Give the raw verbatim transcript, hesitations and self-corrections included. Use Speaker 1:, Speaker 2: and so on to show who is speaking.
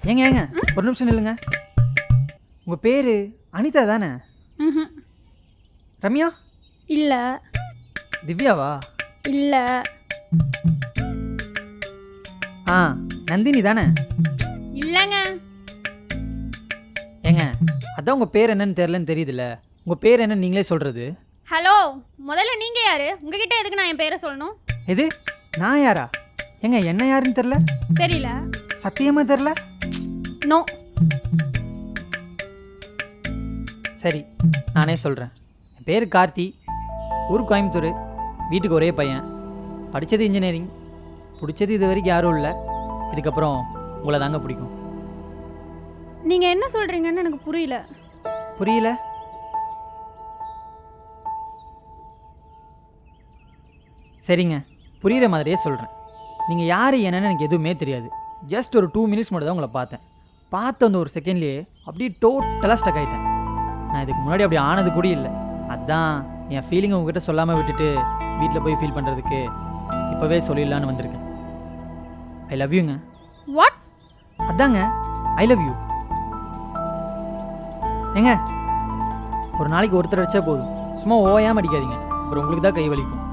Speaker 1: ஏங்க ஏங்க ஒரு நிமிஷம் நில்லுங்க. உங்கள் பேர் அனிதா தானே?
Speaker 2: ம்.
Speaker 1: ரம்யா?
Speaker 2: இல்ல.
Speaker 1: திவ்யாவா?
Speaker 2: இல்ல.
Speaker 1: ஆ நந்தினி தானே?
Speaker 2: இல்லைங்க.
Speaker 1: ஏங்க அதான் உங்கள் பேர் என்னன்னு தெரிலன்னு தெரியுதுல்ல, உங்கள் பேர் என்னன்னு நீங்களே சொல்கிறது.
Speaker 2: ஹலோ, முதல்ல நீங்கள் யார்? உங்ககிட்ட எதுக்கு நான் என் பேரை சொல்லணும்?
Speaker 1: எது நான் யாரா? ஏங்க என்ன யாருன்னு தெரில.
Speaker 2: தெரியல.
Speaker 1: சத்தியமாக தெரில.
Speaker 2: நோ.
Speaker 1: சரி நானே சொல்கிறேன். என் பேர் கார்த்தி, ஊர் கோயம்புத்தூர், வீட்டுக்கு ஒரே பையன், படித்தது இன்ஜினியரிங், பிடிச்சது இது வரைக்கும் யாரும் இல்லை, இதுக்கப்புறம் உங்களை தாங்க பிடிக்கும்.
Speaker 2: நீங்கள் என்ன சொல்கிறீங்கன்னு எனக்கு புரியல.
Speaker 1: புரியல? சரிங்க, புரிகிற மாதிரியே சொல்கிறேன். நீங்கள் யார் என்னன்னு எனக்கு எதுவுமே தெரியாது. ஜஸ்ட் ஒரு டூ மினிட்ஸ் மட்டும் தான் உங்களை பார்த்தேன். பார்த்த அந்த ஒரு செகண்ட்லேயே அப்படியே டோட்டலாக ஸ்டக் ஆகிட்டேன். நான் இதுக்கு முன்னாடி அப்படி ஆனது கூட இல்லை. அதான் என் ஃபீலிங்கை உங்ககிட்ட சொல்லாமல் விட்டுட்டு வீட்டில் போய் ஃபீல் பண்ணுறதுக்கு இப்போவே சொல்லிடலான்னு வந்திருக்கேன். ஐ லவ் யூங்க.
Speaker 2: வாட்?
Speaker 1: அதாங்க ஐ லவ் யூ. ஏங்க ஒரு நாளைக்கு ஒருத்தர் அடித்தா போதும், சும்மா ஓயாமல் அடிக்காதீங்க, அப்புறம் உங்களுக்கு தான் கை வலிக்கும்.